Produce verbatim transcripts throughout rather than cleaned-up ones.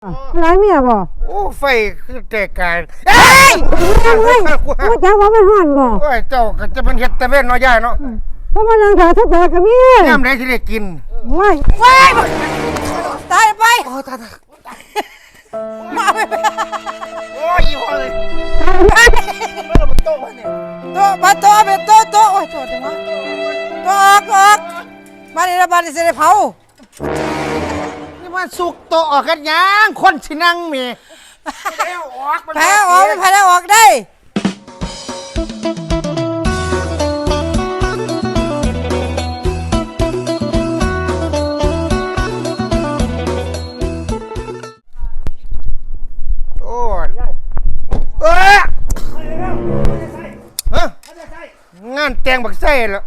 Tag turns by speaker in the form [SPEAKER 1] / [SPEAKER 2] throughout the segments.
[SPEAKER 1] ร้ายเมียบ่
[SPEAKER 2] โอ้ไฟคือแต่การเอ้ย
[SPEAKER 1] เฮ้ยกูจะว่ามันห่อนบ่
[SPEAKER 2] โอ้ยเจ้าก็จะเป็นเฮ็ดตะเวนเนาะยายเนาะ
[SPEAKER 1] เพราะมันนางถาทัดแต่กับเมีย
[SPEAKER 2] ยามใดสิได้กิน
[SPEAKER 1] ว้ายว้ายตายไป
[SPEAKER 2] โอ้ตาย
[SPEAKER 1] มาไป
[SPEAKER 2] โอ้ยอีพ่อเลย
[SPEAKER 1] ตายไป
[SPEAKER 2] มันเอาโต๊ะมาเนี่ย
[SPEAKER 1] โต๊ะมาโต๊ะไปโต๊ะโต๊ะโอ้ยโต๊ะจังวะโต๊ะออกออกบ้านนี้ละบ้านนี้สิได้เผา
[SPEAKER 2] นี่มันสุกโต๊ะออกกันยังคนสินั่งแม่แพ้ออก
[SPEAKER 1] แพ้ออกแพ้ออกได้
[SPEAKER 2] โอ้ยเอ้ยฮะงานแต่งบักไส้แล้ว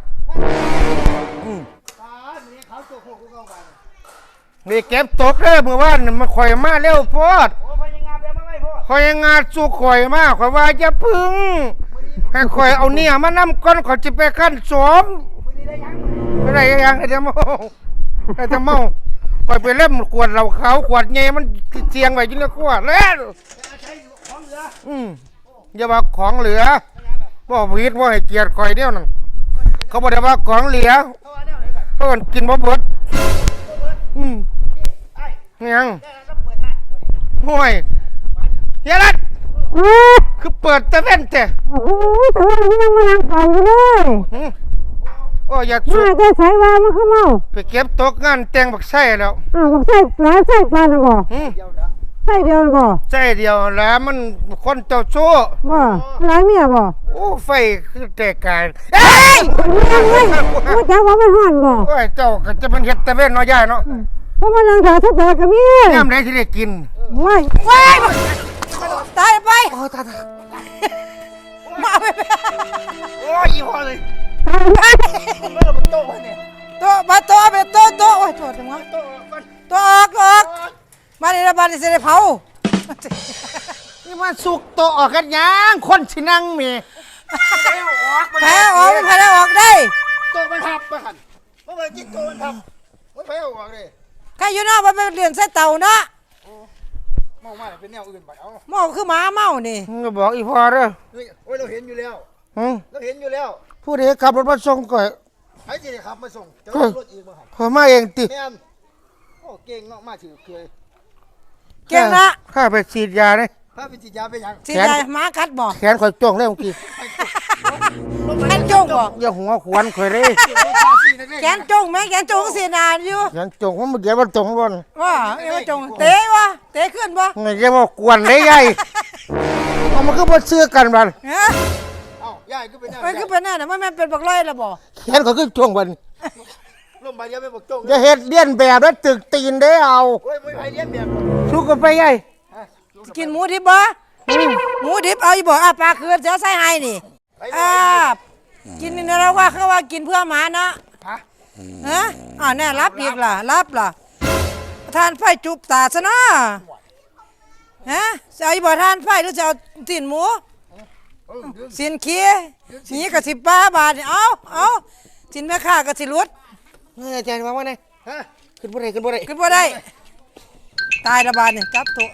[SPEAKER 2] นี่เก็บตกเด้อเมื่อวานมันข่อยมาเร็วโพดข่อยงานสู้ข่อยมาข่อยว่าจะพึ่งให้ข่อยเอาเนี่ยมานำก้อนข่อยจะไปขั้นสมไม่ได้ยังไอ้จะเมาไอ้จะเมาข่อยไปเล่มขวดเหล้าขาวขวดเงี้ยมันเสียงไว้ยิ่งละขวดแล้วอืมอย่าว่าของเหลือบ่ผิดบ่ให้เกียรติข่อยเดียวนั่นเขาบอกว่าของเหลือเพิ่นกินบ่เบิดอืมยังห่วยเฮียรัดคือเปิดตะเว้นแต่
[SPEAKER 1] โอ้ยแต่ว่ามันยังมานั่งเผาอยู่เลย
[SPEAKER 2] โอ้อย่าสุด
[SPEAKER 1] มาจะใส่ว่ามันเข้าเมา
[SPEAKER 2] ไปเก็บตกงานแต่งบักไส้แล้ว
[SPEAKER 1] อ้าวบักไส้หลายไส้ปลาน่ะบ่ไส้เดียวบ่
[SPEAKER 2] ไส้เดียวแล้วมันคนเจ้าชู้
[SPEAKER 1] บ่หลายเมียบ่
[SPEAKER 2] โอ้ไฟคือแต่การเอ้ย
[SPEAKER 1] เฮ้ยกูจะว่ามันห่อนบ่
[SPEAKER 2] โอ้ยเจ้าก็จะเป็นเฮ็ดตะเว้นเนาะยายเนาะ
[SPEAKER 1] เพราะมันนางถาทัดแต่กับเมีย
[SPEAKER 2] ยามใดสิได้กิน
[SPEAKER 1] ว้ายว้ายตายไป
[SPEAKER 2] โอ้ตาย
[SPEAKER 1] มาไป
[SPEAKER 2] โอ้ยอีพ่อเลย
[SPEAKER 1] ตายไป
[SPEAKER 2] มันเอาโต๊ะมาเนี่ย
[SPEAKER 1] โต๊ะมาโต๊ะไปโต๊ะโต๊ะโอ้ยโต๊ะจังวะโต๊ะโต๊ะออกออกบ้านนี้ละบ้านนี้สิได้เผา
[SPEAKER 2] นี่มันสุกโต๊ะออกกันยังคนสินั่งแม่
[SPEAKER 1] แพ้ออกแพ้ออกได้
[SPEAKER 2] โต๊ะมันทับไปหั่นบ่ว่าจิตโต๊ะมันทับมันแพ้ออกเลย
[SPEAKER 1] ใครอยู่เนาะมันเป็นเรื่องใส่เต่าเนาะ
[SPEAKER 2] เมามาเป็นแนวอื่นไปเอา
[SPEAKER 1] เมาคือหมาเมานี่
[SPEAKER 2] ก็บอกอีพ่อเด้อ
[SPEAKER 3] โอ้ยเราเห็นอยู่แล้วเราเห็นอยู่แล้ว
[SPEAKER 2] ผู้ใดขับรถมาส่งก่อย
[SPEAKER 3] ใครจะได้ขับมาส่งจะรถอีกมาหัน
[SPEAKER 2] ขอมาเองติ
[SPEAKER 3] แม่นโอ้เก่งเนาะมาถือเคย
[SPEAKER 1] เก่งนะ
[SPEAKER 2] ข้าไปฉีดยาเลย
[SPEAKER 3] พาไปฉีดยาไปยัง
[SPEAKER 1] ฉีดยาหมากัดบ่
[SPEAKER 2] แขนข่อยจ้องแล้วเมื่อกี้
[SPEAKER 1] แขนจ้องบ่
[SPEAKER 2] อย่าหัวขวนข่อยเลย
[SPEAKER 1] แขนจ้องแม่แขนจ้องเสียนานอยู่
[SPEAKER 2] แขนจ้องว่ามันเดี๋ยวมันจ้องบ่
[SPEAKER 1] ว่าเอ้ยจ้องเตะวะเตะขึ้นบ่
[SPEAKER 2] ไงจะมากวนได้ใหญ่เอามันคือบ่เชื่อกันบัด
[SPEAKER 1] ฮะ
[SPEAKER 3] เอ้ายายก็เป็นหน้า
[SPEAKER 1] มันคือเป็นหน้าน่ะมันแม่นเป็นบักร้อยล่ะบ่
[SPEAKER 2] แขนข่อยคือจ้องบัด
[SPEAKER 3] ลมใบเดียวไม่บอกจ้อง
[SPEAKER 2] จะเฮ็ดเลียนแบบแล้วตึกตีนได้เอา
[SPEAKER 3] โอ้ยไม่ไปเลี้ยงแบบ
[SPEAKER 2] สู้กันไปใหญ่
[SPEAKER 1] กินหมูดิบบ่หมูดิบเอาอีบ่อ่ะปลาคืนจะใส่ให้นี่อ่ากินนี่เราว่าเขาว่ากินเพื่อหมาเนาะฮะฮะอ่าแน่รับอีกล่ะรับล่ะทานไฟจุบตาซะเนาะฮะจะเอาอีบ่ทานไฟหรือจะเอาตีนหมูสินเคี้ยนี่ก็สิบป้าบาทเอาเอาสินแม่ค้าก็สิรุด
[SPEAKER 2] เฮ้ยอาจารย์ว่าว่าไงฮะขึ้นบ่ได้ขึ้นบ่ได้
[SPEAKER 1] ขึ้นบ่ได้ตายละบาทนี่จับโต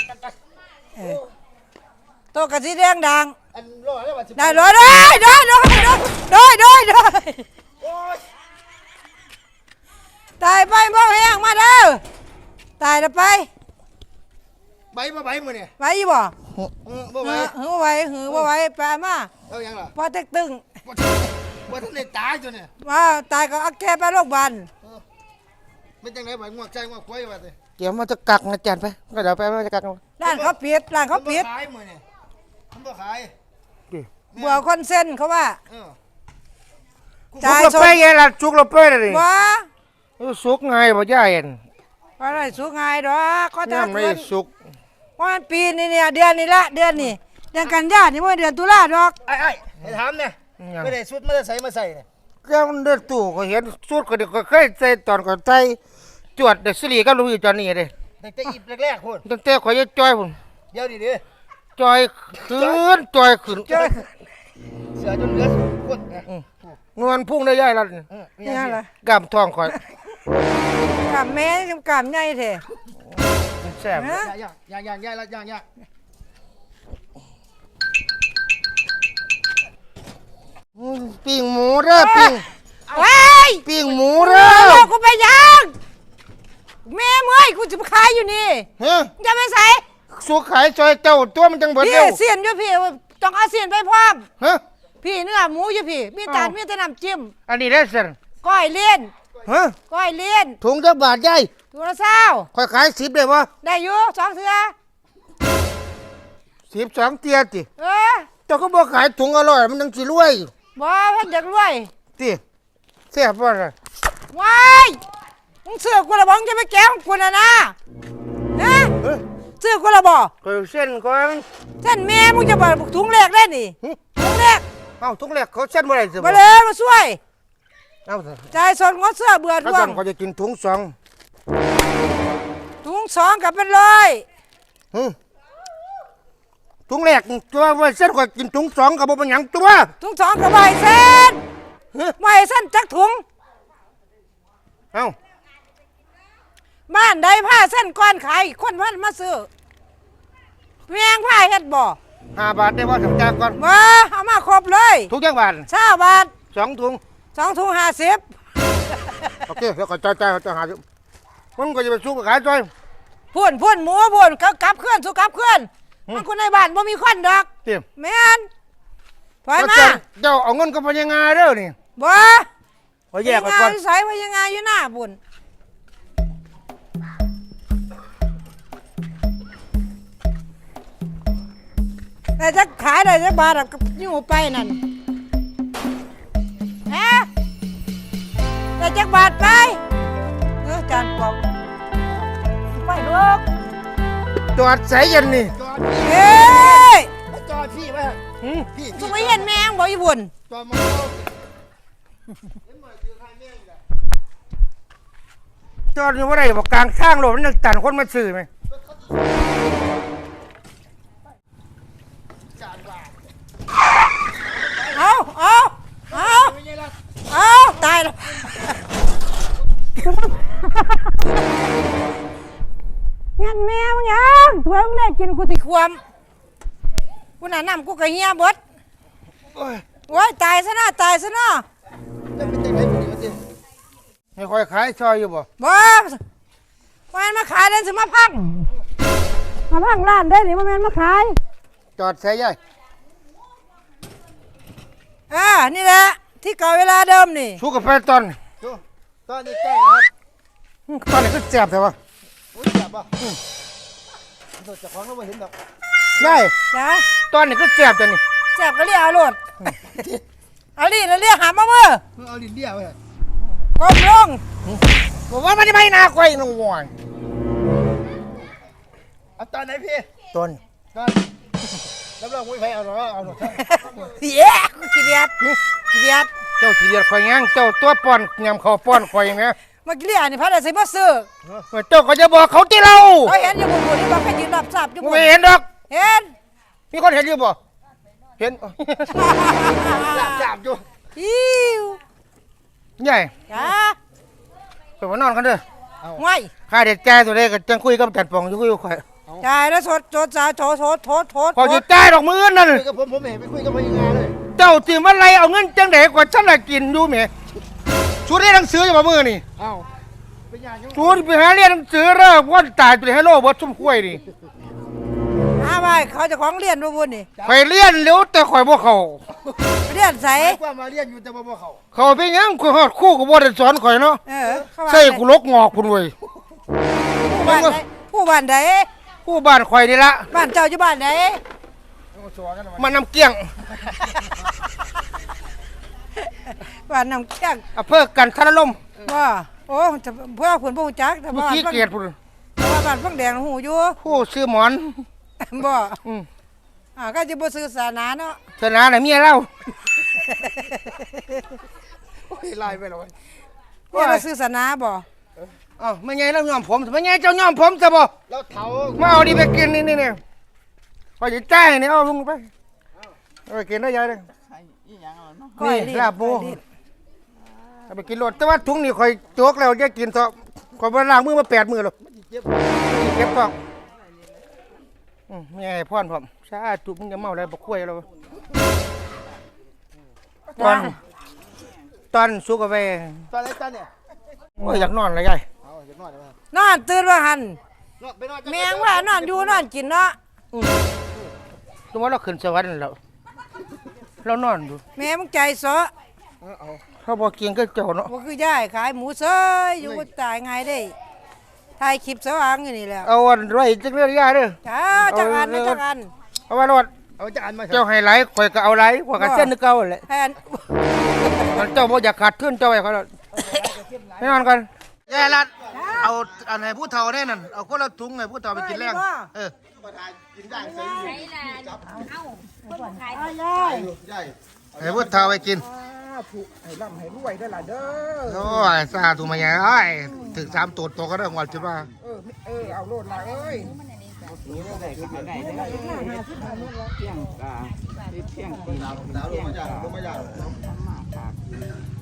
[SPEAKER 1] โตกะสีแดงดังได้เลยได้ได้ได้ได้ได้ได้ตายไปบ่แห้งมาเด้อตายแล้วไป
[SPEAKER 3] ใบมาใบมือเนี่ย
[SPEAKER 1] ไปอีบ่
[SPEAKER 3] บ่ใบ
[SPEAKER 1] หือบ่ไหวหือบ่ไหวไปมา
[SPEAKER 3] เอายังล่ะ
[SPEAKER 1] พอเต็กตึง
[SPEAKER 3] ว่าท่านได้ตายจนเนี่ย
[SPEAKER 1] ว่าตายก็เอาแกไปโรงพยาบาล
[SPEAKER 3] ไม่จังไหนใบงวกใจงวกควายว่าสิ
[SPEAKER 2] เดี๋ยวมันจะกักอาจารย์ไปก็เดี๋ยวไปมันจะกัก
[SPEAKER 1] ร้านเขาปิดร้านเขาปิด
[SPEAKER 3] ขายมือเนี่ยมันบ่ขาย
[SPEAKER 1] บัวคอนเส้นเขาว่า
[SPEAKER 2] จ่ายสุกเราไปยังล่ะสุกเราไปเลย
[SPEAKER 1] ว้า
[SPEAKER 2] สุกไงบ่ย่าเห็น
[SPEAKER 1] ว่าไรสุกไงดอกก็จะ
[SPEAKER 2] ไม่สุก
[SPEAKER 1] วันปีนี้เนี่ยเดือนนี้ละเดือนนี้เดือนกันยานี่ว่าเดือนตุลาดอก
[SPEAKER 3] ไอ้ไอ้ให้ถามเนี่ยไม่ได้สุดไม่ได้ใส่มาใส่เนี่ย
[SPEAKER 2] แก้วเดือดตู่ก็เห็นสุดก็เด็กก็เคยใส่ตอนก่อนใส่จวดเด็กสิริก็รู้อยู่ตอนนี้เลย
[SPEAKER 3] ตั้งแต่อีบแรกๆคน
[SPEAKER 2] ตั้งแต่ข่อยจะจอยผม
[SPEAKER 3] เดี๋ยวดิดิ
[SPEAKER 2] จอยขึ้นจอยขึ้น
[SPEAKER 3] จอยเสือจนเหลือคน
[SPEAKER 2] นวลพุ่งได้ย่ายแล้ว
[SPEAKER 1] นี่อะไร
[SPEAKER 2] กำทองข่อย
[SPEAKER 1] กำแม่กำใหญ่แท้
[SPEAKER 2] ใส่ซ่บ
[SPEAKER 1] ฮะ
[SPEAKER 3] ย่างย่างย่างย่างย่างย่าง
[SPEAKER 2] อืมปิ้งหมูเด้อปิ้ง
[SPEAKER 1] เฮ้ย
[SPEAKER 2] ปิ้งหมู
[SPEAKER 1] เอ
[SPEAKER 2] เด้อ
[SPEAKER 1] อกูไปยังแม่เมื่อยกูจะขายอยู่นี่
[SPEAKER 2] เฮ้ย
[SPEAKER 1] จะไปใส่
[SPEAKER 2] สุขายซอยเจ้าตัวมันจังเบิด
[SPEAKER 1] พี่
[SPEAKER 2] เร็ว
[SPEAKER 1] เสียนอยู่พี่ต้องเอาเสียนไปพร้อม
[SPEAKER 2] ฮะ
[SPEAKER 1] พี่เนื้อหมูอยู่พี่ มีจานมีแต่น้ำจิ้ม
[SPEAKER 2] อันนี้ได้สิ
[SPEAKER 1] ก้อยเลี้ยน
[SPEAKER 2] ฮะ
[SPEAKER 1] ก้อยเลี้ยน
[SPEAKER 2] ถุงจักบาทใหญ่
[SPEAKER 1] ตัวละเศร้า
[SPEAKER 2] ค่อยขายสิบได้บ่
[SPEAKER 1] ได้อยู่สองเถื่อ
[SPEAKER 2] สิบสองเตียติ
[SPEAKER 1] เออ
[SPEAKER 2] เจ้าก็บ่ขายถุงอร่อยมันจังสิรวย
[SPEAKER 1] บ่เพิ่นอยากรวย
[SPEAKER 2] ติแซ่บบ่ล่ะ
[SPEAKER 1] ว้ายมึงเสือกกูละบ่มึงจะไปแก้ของกูนะนะนะ
[SPEAKER 2] เฮ้ย
[SPEAKER 1] เสือกกูละบ่
[SPEAKER 2] ก็เส้นก่อน
[SPEAKER 1] เส้นแม่มึงจะบ่ถุงแรกได้นี่
[SPEAKER 2] หึ
[SPEAKER 1] ถุงแรก
[SPEAKER 2] เอ้าถุงแรกเขาเส้นบ่ได้สิ
[SPEAKER 1] มาเลยมาช่วย
[SPEAKER 2] เอ้า
[SPEAKER 1] จ่ายสดงดเสื้อเบื่อ
[SPEAKER 2] เขา
[SPEAKER 1] ร่ว
[SPEAKER 2] สั่
[SPEAKER 1] ง
[SPEAKER 2] งเขาจะกินถุงสอง
[SPEAKER 1] ถุงสองกับเป็นร้อย
[SPEAKER 2] หึถุงแรกตัวว่าเส้นก็กินถุงสองก็บ่เป็นหยังตัว
[SPEAKER 1] ถุงสองกับใบเส้น
[SPEAKER 2] ฮะ
[SPEAKER 1] ใบเส้นจักถุง
[SPEAKER 2] เอ้า
[SPEAKER 1] บ้านใดผ้าเส้นก้อนขายคนพันมาซื้อเพียงผ้าเฮ็ดบ่
[SPEAKER 2] ห้าบาทได้บ่สังจากก่อน
[SPEAKER 1] บ่เอามาครบเลย
[SPEAKER 2] ถุงจักบาท
[SPEAKER 1] เช้าบาท
[SPEAKER 2] สองถุง
[SPEAKER 1] สองถุงห้าสิบ
[SPEAKER 2] โอเคแล้วก็จ่ายจ่ายจ่ายหาอยู่มันก็จะไปสู้กับขายจ้อย
[SPEAKER 1] พุ่นพุ่นหมูพุ่นเขากลับเคลื่อนสู้กลับเคลื่อน
[SPEAKER 2] หืม
[SPEAKER 1] มันคนในบ้านบ่มีควันดอก
[SPEAKER 2] เตรียม
[SPEAKER 1] แม่นถอยมา
[SPEAKER 2] เจ้าเจ้าเอาเงินกับพญางาเด้อนี่
[SPEAKER 1] บ่
[SPEAKER 2] ขอแยกไว้ก่อน
[SPEAKER 1] ใส่ไว้ยังไงอยู่หน้าบุญแต่จะขายได้จะบาทอะก็อยู่ไปนั่นฮะแต่จะบาทไปเออจานปอกไปลูก
[SPEAKER 2] จอดใส่ยันนี่
[SPEAKER 3] จอด
[SPEAKER 1] เฮ้ย
[SPEAKER 3] จอดพี่ไว้
[SPEAKER 2] หืม
[SPEAKER 3] พี่
[SPEAKER 1] สุไม่เห็นแมงบอกอีบุญ
[SPEAKER 3] จอดมาเอา
[SPEAKER 2] จอดอยู่ว่าไรบอกกลางข้างโลดมันยังตันคนมาซื้อไหม
[SPEAKER 1] เอาเอาเอา
[SPEAKER 3] ไม่ใช่ละ
[SPEAKER 1] เอาตายแล้วงั้นแม่มึงยังถั่วมึงได้กินกูติความกูน่ะน้ำกูกะเฮียเบด
[SPEAKER 2] โอ้ย
[SPEAKER 1] โอ้ยตายซะนะตายซะนะ
[SPEAKER 3] จะเป็นจังไรเป็นจังไร
[SPEAKER 2] ให้คอยขายซอยอยู่บ่
[SPEAKER 1] บ่มันมาขายแล้วสิมาพังมาพังร้านได้หรือมาแม่นมาขาย
[SPEAKER 2] จอดใส่ยัย
[SPEAKER 1] อ่านี่แหละที่เก่าเวลาเดิมนี่
[SPEAKER 2] สู้กับแฟนตอน
[SPEAKER 3] ดูตอนนี้ใกล้แล้วครับ
[SPEAKER 2] อืมตอนนี้ก็แซ่บแต่ว่า
[SPEAKER 3] อุ้ยจับป่ะตัวเจ้าของเราไม่เห็นดอก
[SPEAKER 2] ยัย
[SPEAKER 1] จ้า
[SPEAKER 2] ตอนนี้ก็แซ่บแต่นี่
[SPEAKER 1] แซ่บก็เรียกเอาโลดเอาดิแล้วเรียกหามาเมื่อ
[SPEAKER 3] เพื่อเอาลิ้นเดียวไว้
[SPEAKER 1] ก้มลง
[SPEAKER 2] บอกว่ามันจะไม่น่าคอยน้องวอน
[SPEAKER 3] เอาตอนไหนพี่
[SPEAKER 2] ต้น
[SPEAKER 3] ตอนรับรองไม่ไปเอาหรอกเอาหรอก
[SPEAKER 1] เย้ขี้เดียดขี้เดียด
[SPEAKER 2] เจ้าขี้เดียดคอยยังเจ้าตัวป้อนยำข้าวป้อนคอยไหม
[SPEAKER 1] เมื่อกี้เรียกนี่พัดอะไรมาซื้อ
[SPEAKER 2] เจ้าก็จะบอกเขาที่เรา
[SPEAKER 1] เขาเห็นอยู่บนบนที่บอกให้ยืนรับทราบอยู่บ
[SPEAKER 2] ไม่
[SPEAKER 1] น
[SPEAKER 2] เห็นดอก
[SPEAKER 1] เห็น
[SPEAKER 2] มีคนเห็นอยู่บ่เห็น
[SPEAKER 3] จับอยู่
[SPEAKER 1] อิว
[SPEAKER 2] ใหญ่
[SPEAKER 1] จ้า
[SPEAKER 2] ไปมานอนกันเด้อ
[SPEAKER 1] ไม่
[SPEAKER 2] ข้าเด็ดแก่ตัวเด็กจังคุยกับจัดปองอยู่คุยกับข่อย
[SPEAKER 1] จ่ายแล้วโทษโทษจ่ายโทษโทษโทษโทษ
[SPEAKER 2] พอจะจ่ายดอกมือนั่น
[SPEAKER 3] คุยกับผมผมเห็นไปคุยกับพนักงานเลย
[SPEAKER 2] เจ้าตื่นมาไรเอาเงินจังเด็กกว่าฉันละกินอยู่แหมชูเรียนหนังสืออยู่บ่มือนี่
[SPEAKER 3] เอ้าเป็นยังไง
[SPEAKER 2] ชูไปหาเรียนหนังสือเริ่มว่าตายตัวให้โลบดชุ่มคุ้ยนี่
[SPEAKER 1] อาไปเขาจะของเรียนบ่บุญนี่
[SPEAKER 2] ข่อยเรียนเร็วแต่ข่อยบ่เข้า
[SPEAKER 1] เรียนใส
[SPEAKER 3] กว่ามาเรียนอยู่แต่บ่บ่เขา
[SPEAKER 2] เขาไปยังข่อยฮอดคู่กับบ่ได้สอนข่อยเนาะ
[SPEAKER 1] เออเขาว่า
[SPEAKER 2] ใส่กูลกงอกพุ่นเว้ย
[SPEAKER 1] ผู้บ้านใดผู้บ้านใด
[SPEAKER 2] ผู้บ้านข่อยนี่ละ
[SPEAKER 1] บ้านเจ้าอยู่บ้านใด
[SPEAKER 3] ชัวร์กันหน่อย
[SPEAKER 2] มันน้ำเกี้ยง
[SPEAKER 1] บ้านน้ำเกี้ยง
[SPEAKER 2] อำเภอกันทรลม
[SPEAKER 1] ว่าโอ้จะเพื่อผลบ่ฮู้จักแต่
[SPEAKER 2] ผู้
[SPEAKER 1] ว่า
[SPEAKER 2] ขี้
[SPEAKER 1] บ้าน
[SPEAKER 2] เกียจพุ่น
[SPEAKER 1] แต่ว่าบ้านฟังแดงหูอยู่
[SPEAKER 2] ผู้ซื้อหมอน
[SPEAKER 1] บ่
[SPEAKER 2] อืม
[SPEAKER 1] อ่าก็จะบ่ซื้อศาสนาเนาะ
[SPEAKER 2] ชนะน่ะเมียเรา
[SPEAKER 3] โอ้ยไล่ไปแล้ว
[SPEAKER 1] เนี่ยเราซื้อศาสนาบ่
[SPEAKER 2] อ้าวไม่ไงแล้วยอมผมไม่ไงเจ้ายอมผมซะบ่
[SPEAKER 3] แล้วเถา
[SPEAKER 2] มาเอาดิไปกินนี่นี่นี่พอจะจ่ายนี่เอาลุงไปเอาไปกินได้ยายเลย
[SPEAKER 1] ก้อย
[SPEAKER 2] นี่
[SPEAKER 1] ลิ้
[SPEAKER 2] ลาบหมู
[SPEAKER 1] ก้อยลิ้น
[SPEAKER 2] เอาไปกินรถแต่ว่าถุงนี่ข่อยโจกแล้วจะกินซะข่อยบ่ล้างมือมาแปดมื้อแล้ว
[SPEAKER 3] เจ็บ
[SPEAKER 2] เก็บท้อง
[SPEAKER 1] เ
[SPEAKER 2] อืมไม่ให้พรผมสาธุมึงจะเมาอะไรบ่คุยแล้วตอนตอนสุกเอาไป
[SPEAKER 3] ตอนไหนตอนเนี่ย
[SPEAKER 2] โอ้ยอยากนอนเลยยาย
[SPEAKER 3] เอาเดี๋ยวนอนเดี๋ยวนอน
[SPEAKER 1] นอนตื่นว่าหัน
[SPEAKER 3] นอนไปนอน
[SPEAKER 1] แมงว่านอนอยู่นอนกินเนาะ
[SPEAKER 2] ตัวว่าเราขึ้นสวรรค์แล้วเรานอนอยู่
[SPEAKER 1] แม่มึงใจเสาะ
[SPEAKER 3] เอาเอา
[SPEAKER 2] เขาบอกกินก็เจ้าเนาะ
[SPEAKER 1] บ่คือย่ายขายหมูเซยอยู่บ่ตายไงได้ถ่ายคลิปสว่างอยู่นี่แหล้ว
[SPEAKER 2] เอาอันไว้จักเรื่องยายเด้อ
[SPEAKER 1] จ้าจักอันนะจักอัน
[SPEAKER 2] เอาไว้รอด
[SPEAKER 3] เอาจานมา
[SPEAKER 2] เจ้าให้ไหลข่อยก็เอาไหลข่อยก็เส้นนึกเก่าแหละ
[SPEAKER 1] แพน
[SPEAKER 2] มันเจ้าบ่อยากขาดทุนเจ้าไว้เขาแล้วให้นอนกันยายรัดเอาอันให้ผู้เฒ่าแน่นั่นเอาคนละถุงให้ผู้เฒ่าไปกินแรงเออ
[SPEAKER 3] กินได้ใส่
[SPEAKER 1] เอายาย
[SPEAKER 3] ใหญ่
[SPEAKER 2] ให้ผู้เฒ่าไปกิน
[SPEAKER 3] ถูกให้ร่ำให้รวยได้ล่ะเด้อ
[SPEAKER 2] โอ้ยสาธุมาใหญ่เอ้ยถึงสามตัวโตก็ได้หมดจุดว่า
[SPEAKER 3] เออเออเอาโลดละเอ้ย
[SPEAKER 4] เที่ยงกาเที่ยงปีเที่ยงปีเที่ยงกา